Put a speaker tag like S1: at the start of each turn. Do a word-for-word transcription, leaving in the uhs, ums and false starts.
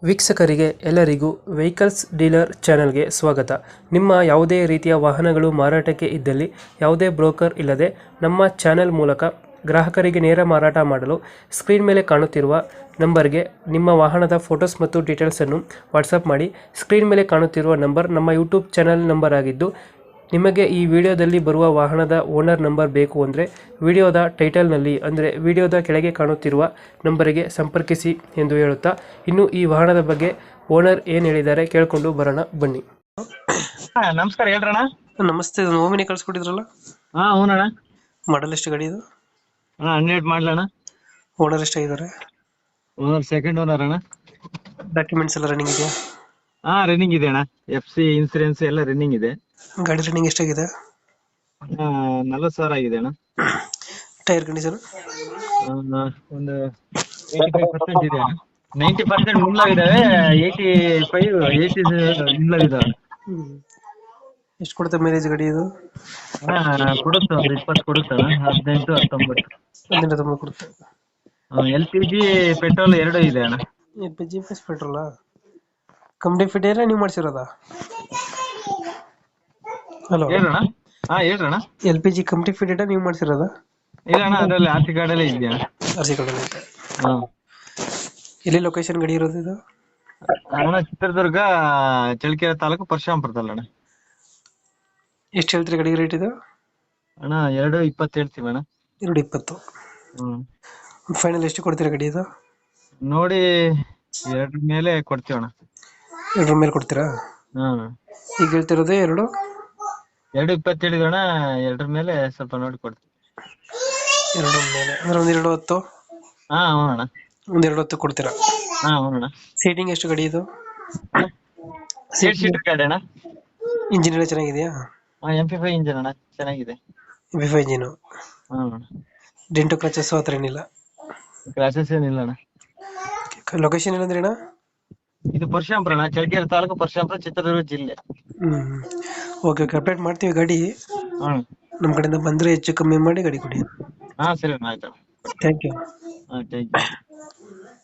S1: ವೀಕ್ಷಕರಿಗೆ ಎಲ್ಲರಿಗೂ vehicles dealer ಚಾನೆಲ್ಗೆ ಸ್ವಾಗತ. ನಿಮ್ಮ ಯಾವುದೇ ರೀತಿಯ ವಾಹನಗಳು ಮಾರಾಟಕ್ಕೆ ಇದ್ದಲ್ಲಿ ಯಾವುದೇ ಬ್ರೋಕರ್ ಇಲ್ಲದೆ ನಮ್ಮ ಚಾನೆಲ್ ಮೂಲಕ ಗ್ರಾಹಕರಿಗೆ ನೇರ ಮಾರಾಟ ಮಾಡಲು ಸ್ಕ್ರೀನ್ ಮೇಲೆ ಕಾಣುತ್ತಿರುವ ನಂಬರ್ಗೆ ನಿಮ್ಮ ವಾಹನದ ಫೋಟೋಸ್ ಮತ್ತು ಡೀಟೇಲ್ಸನ್ನು ವಾಟ್ಸಪ್ ಮಾಡಿ. ಸ್ಕ್ರೀನ್ ಮೇಲೆ ಕಾಣುತ್ತಿರುವ ನಂಬರ್ ನಮ್ಮ ಯೂಟ್ಯೂಬ್ ಚಾನೆಲ್ ನಂಬರ್ ಆಗಿದ್ದು, ನಿಮಗೆ ಈ ವಿಡಿಯೋದಲ್ಲಿ ಬರುವ ವಾಹನದ ಓನರ್ ನಂಬರ್ ಬೇಕು ಅಂದರೆ ವಿಡಿಯೋದ ಟೈಟಲ್ನಲ್ಲಿ ಅಂದರೆ ವಿಡಿಯೋದ ಕೆಳಗೆ ಕಾಣುತ್ತಿರುವ ನಂಬರಿಗೆ ಸಂಪರ್ಕಿಸಿ ಎಂದು ಹೇಳುತ್ತಾ, ಇನ್ನು ಈ ವಾಹನದ ಬಗ್ಗೆ ಓನರ್ ಏನು ಹೇಳಿದ್ದಾರೆ ಕೇಳಿಕೊಂಡು ಬರೋಣ ಬನ್ನಿ.
S2: ಹಾ ನಮಸ್ಕಾರ ಹೇಳ್ರಣ್ಣ.
S1: ನಮಸ್ತೆ, ಇದು ಓಮಿನಿ ಕಳ್ಸಿಕೊಟ್ಟಿದ್ರಲ್ಲ,
S2: ಹಾ ಹೌನಣ್ಣ.
S1: ಮಾಡಲ್ ಎಷ್ಟು ಗಾಡಿ ಇದು?
S2: ಅಣ್ಣ ಹಂಡ್ರೆಡ್ ಮಾಡ್ಲಣ್ಣ.
S1: ಓನರ್ ಎಷ್ಟಾಗಿದ್ದಾರೆ?
S2: ಓನರ್ ಸೆಕೆಂಡ್ ಓನರ್ ಅಣ್ಣ.
S1: ಡಾಕ್ಯುಮೆಂಟ್ಸ್ ಎಲ್ಲ ರನ್ನಿಂಗ್ ಇದೆಯಾ?
S2: ಹಾ ರನ್ನಿಂಗ್ ಇದೆ ಅಣ್ಣ. ಎಫ್ ಸಿ ಇನ್ಸೂರೆನ್ಸ್ ಎಲ್ಲ ರನ್ನಿಂಗ್ ಇದೆ.
S1: ಗಾಡಿ ರನ್ನಿಂಗ್ ಎಷ್ಟಾಗಿದೆ?
S2: ಆ, ನಲ್ವತ್ತು ಸಾವಿರ ಆಗಿದೆ ಅಣ್ಣ.
S1: Tyre condition?
S2: ಆ, ಒಂದು ಏಯ್ಟಿ ಫೈವ್ ಪರ್ಸೆಂಟ್ ಇದೆ ಅಣ್ಣ. ನೈಂಟಿ ಪರ್ಸೆಂಟ್ ಮುಳ್ಳಾಗಿದ್ದಾವೆ, ಏಯ್ಟಿ ಫೈವ್ ಏಯ್ಟಿ ಮುಳ್ಳಾಗಿದ್ದಾವೆ.
S1: ಎಷ್ಟು ಕೊಡುತ್ತೆ ಮೈಲೇಜ್ ಗಾಡಿ ಇದು?
S2: ಅಣ್ಣ ಕೊಡುತ್ತೆ, ಒಂದು ಇಪ್ಪತ್ತು ಕೊಡುತ್ತೆ ಅಣ್ಣ. ಹದಿನೆಂಟು ಹತ್ತೊಂಬತ್ತು
S1: ಹದಿನೆಂಟು ಹತ್ತೊಂಬತ್ತು ಕೊಡುತ್ತೆ.
S2: ಎಲ್ ಪಿ ಜಿ ಪೆಟ್ರೋಲ್ ಎರಡು ಇದೆ ಅಣ್ಣ.
S1: ಎಲ್ ಪಿ ಜಿ ಪ್ಲಸ್ ಪೆಟ್ರೋಲಾ? ಕಂಪ್ನಿ ಫಿಟ್ ಏನ ನೀವು ಮಾಡಿಸಿರೋದಾ? ಹಲೋ,
S2: ಹೇಳ್ರಣ್ಣ. ಹಾ ಹೇಳ್ರಣ್ಣ.
S1: L P G company fit ನೀವು ಮಾಡಿಸಿರೋದಾ?
S2: ಇಲ್ಲ ಅಣ್ಣ, ಅದರಲ್ಲಿ ಆರ್ ಸಿ ಕಾರ್ಡಲ್ಲೇ ಇದೆಯಾ?
S1: ಆರ್ ಸಿ ಕಾರ್ಡ್ ಐತೆ.
S2: ಹಾ.
S1: ಎಲ್ಲಿ ಲೊಕೇಶನ್ ಗಾಡಿ ಇರೋದು ಇದು?
S2: ಅಣ್ಣ ಚಿತ್ರದುರ್ಗ, ಚಳ್ಳಕೆರೆ ತಾಲೂಕು, ಪರಶುರಾಮಪುರದಲ್ಲ ಅಣ್ಣ.
S1: ಎಷ್ಟು ಹೇಳ್ತೀರಿ ಗಾಡಿ ರೇಟ್ ಇದು?
S2: ಅಣ್ಣ ಎರಡು ಇಪ್ಪತ್ತು ಹೇಳ್ತೀವಿ ಅಣ್ಣ.
S1: ಎರಡು ಇಪ್ಪತ್ತು.
S2: ಹ್ಮ್
S1: ಫೈನಲ್ ಎಷ್ಟು ಕೊಡ್ತೀರಾ ಗಾಡಿ ಇದು?
S2: ನೋಡಿ ಎರಡ್ರ ಮೇಲೆ ಕೊಡ್ತೀವಿ ಅಣ್ಣ.
S1: ಎರಡರ ಮೇಲೆ ಕೊಡ್ತೀರಾ?
S2: ಹ್ಮ್
S1: ಈಗ ಹೇಳ್ತಿರೋದೇ ಎರಡು
S2: ಎರಡು ಇಪ್ಪತ್ತು ಹೇಳಿದ್ವಿ ಅಣ್ಣ. ಎರಡ್ರ ಮೇಲೆ ಸ್ವಲ್ಪ ನೋಡಿ ಕೊಡ್ತೀವಿ.
S1: ಎರಡು ಮೇಲೆ ಅಂದ್ರೆ ಒಂದ್ ಎರಡು ಹೊತ್ತು?
S2: ಹಾ ಹ್ಞೂ ಅಣ್ಣ.
S1: ಒಂದ್ ಎರಡು ಹೊತ್ತು ಕೊಡ್ತೀರಾ?
S2: ಹಾ ಹ್ಞೂ ಅಣ್ಣ.
S1: ಸೀಟಿಂಗ್ ಎಷ್ಟು ಗಾಡಿ ಇದು?
S2: ಏಟ್ ಸೀಟರ್ ಗಾಡಿ ಅಣ್ಣ.
S1: ಇಂಜಿನ್ ಎಲ್ಲ ಚೆನ್ನಾಗಿದೆಯಾ?
S2: ಹಾ ಎಂ ಪಿ ಫೈವ್ ಇಂಜಿನ್ ಅಣ್ಣ, ಚೆನ್ನಾಗಿದೆ.
S1: M P five engine.
S2: Hmm
S1: dent scratches ಹತ್ರ ಏನಿಲ್ಲ?
S2: ಕ್ಲಾಸಸ್ ಏನಿಲ್ಲ ಅಣ್ಣ.
S1: ಲೊಕೇಶನ್ ಏನಂದ್ರೆ ಅಣ್ಣ?
S2: ಇದು ಪರಶುರಾಮಪುರ ಅಣ್ಣ, ಚಳ್ಳಕೆರೆ ತಾಲೂಕು, ಪರಶುರಾಮಪುರ, ಚಿತ್ರದುರ್ಗ ಜಿಲ್ಲೆ.
S1: ಹ್ಮ್ ಓಕೆ ಓಕೆ, ಅಪ್ಡೇಟ್ ಮಾಡ್ತೀವಿ ಗಾಡಿ.
S2: ಹ್ಮ್
S1: ನಮ್ಮ ಕಡೆಯಿಂದ ಬಂದ್ರೆ ಹೆಚ್ಚು ಕಮ್ಮಿ ಮಾಡಿ ಗಾಡಿ ಕೊಡಿ.
S2: ಹಾ ಸರಿ ಅಣ್ಣ, ಆಯ್ತು.
S1: Thank you.
S2: ಹಾ ಥ್ಯಾಂಕ್ ಯು.